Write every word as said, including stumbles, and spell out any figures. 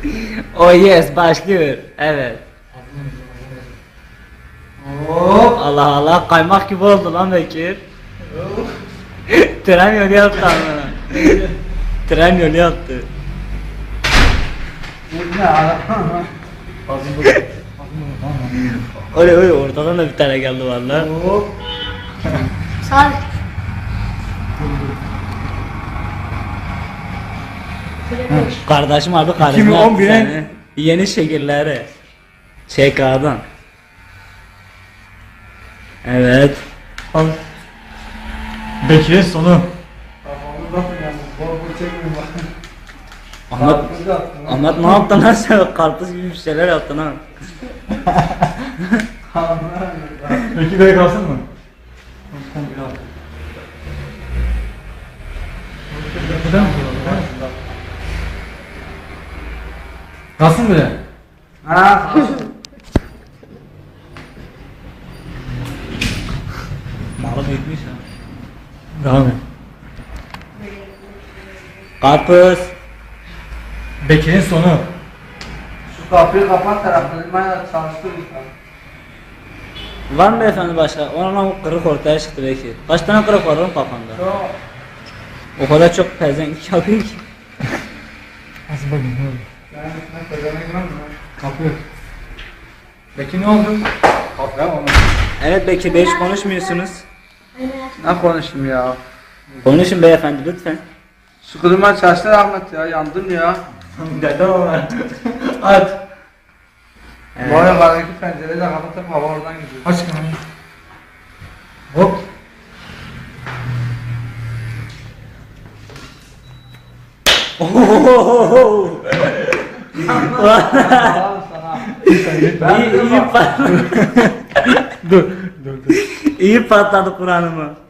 Oh yes, başlıyor. Evet. Hop. Allah Allah, kaymak gibi oldu lan Bekir. Tren yolu yaptı ama. Tren yolu yaptı. Ne ara? Öyle öyle ortadan da bir tane geldi valla. Hop. Sağ. Kardeşim abi kardeşim iki bin on yaptı birin seni. Yeni şekilleri. Şey kağıdan. Evet. Al. Bekir'in sonu. Ahmet, Ahmet ne yaptın lan sen? Karpuz gibi bir şeyler yaptın ha. Bekir böyle kalsın mı? Kalsın böyle. Ha. Malı büyütmüş ha. Devam et. Karpuz. Bekir'in sonu. Şu kapıyı kapat taraflarına çalıştır lütfen. Var mı beyefendi başka? Ona kırık ortaya çıktı belki. Kaç tane kırık var oğlum kafanda? Çok. O kadar çok pezenk yapıyor ki. Nasıl bakayım ne oldu? Yani ne kadar ne mi? Kapı. Bekir ne oldu? Kapıya mı? Evet Bekir Bey hiç konuşmuyorsunuz. Ne konuşayım ya? Konuşun beyefendi lütfen. Şu kılıma çalıştır Ahmet ya, yandım ya. Dede var. At. Bu arabadaki pencereyi de kapatıp hava oradan gidiyor. Aç kamerayı. Hop. Ohohoho. Allah'ım sana. iyi, iyi, pat Dur. Dur dur. iyi patladı Kur'an'ımı.